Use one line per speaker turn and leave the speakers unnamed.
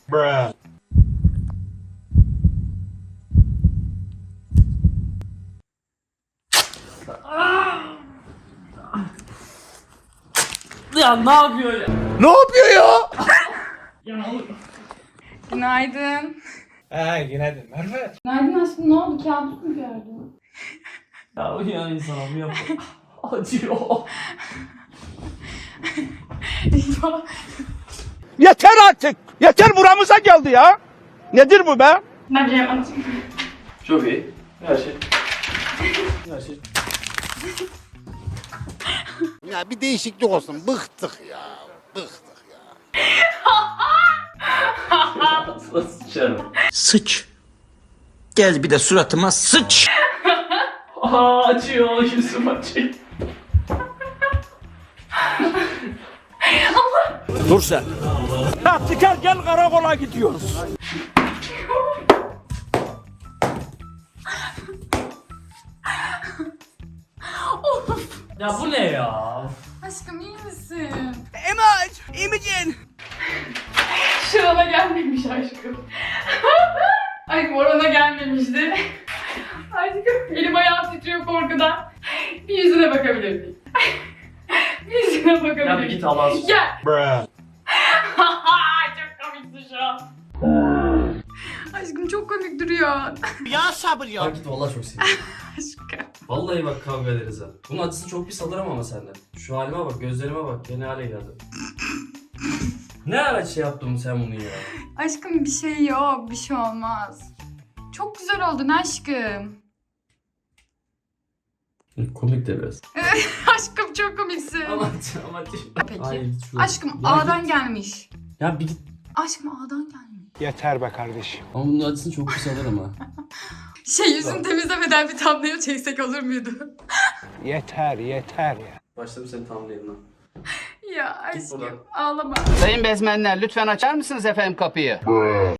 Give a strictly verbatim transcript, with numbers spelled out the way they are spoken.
Bruh.
Ya ne yapıyor ya?
Ne yapıyor ya?
Ya
Günaydın.
Ha günaydın Merve.
Günaydın aşkım, ne oldu? Kabus mu gördün?
ya uyan insana bu yapma. Acıyor.
Eyvah.
Yeter artık. Yeter buramıza geldi ya. Nedir bu be?
Ne bileyim anlatayım.
Çok iyi. Her şey. Her şey.
Ya bir değişiklik olsun. Bıktık ya. Bıktık ya.
Nasıl sıçarım?
Sıç. Gel bir de suratıma sıç.
Aa acıyor. Yüzüm acıyor.
Dur sen. Taktiker gel karakola gidiyoruz.
Ya bu ne ya?
Aşkım iyi misin?
Emaj, İmicin.
Şurana gelmemiş aşkım. Aşkım orana gelmemişti. Aşkım elim ayağım titriyor korkudan. Bir yüzüne bakabilir miyim? Bir yüzüne bakabilir
Ya bir
miyim?
git Allah'a sus.
Gel.
Bruh.
Çok komiksin şu an. Aşkım çok komik duruyor.
Ya sabır ya.
Bak git vallahi çok sinirliyim.
Aşkım.
Vallahi bak kavga ederiz ha. Bunun acısı çok pis alırım ama senden. Şu halime bak, gözlerime bak. Ya ne hale geldi. Ne ara şey yaptın sen bunu ya?
Aşkım bir şey yok, bir şey olmaz. Çok güzel oldun aşkım.
Komik de biraz.
Aşkım çok komiksin.
Ama ama
Peki.
Ay, git şuraya.
Aşkım
Ya
A'dan
git.
gelmiş.
Ya bir git.
Aşkım A'dan gelmiş.
Yeter be kardeşim.
Ama bunun acısını çok pis alırım ha.
Şey yüzünü temizlemeden bir thumbnail çeksek olur muydu?
Yeter, yeter ya.
Başladım seni tamamlayayım lan.
Ya
Git buradan.
aşkım ağlama.
Sayın bezmenler lütfen açar mısınız efendim kapıyı?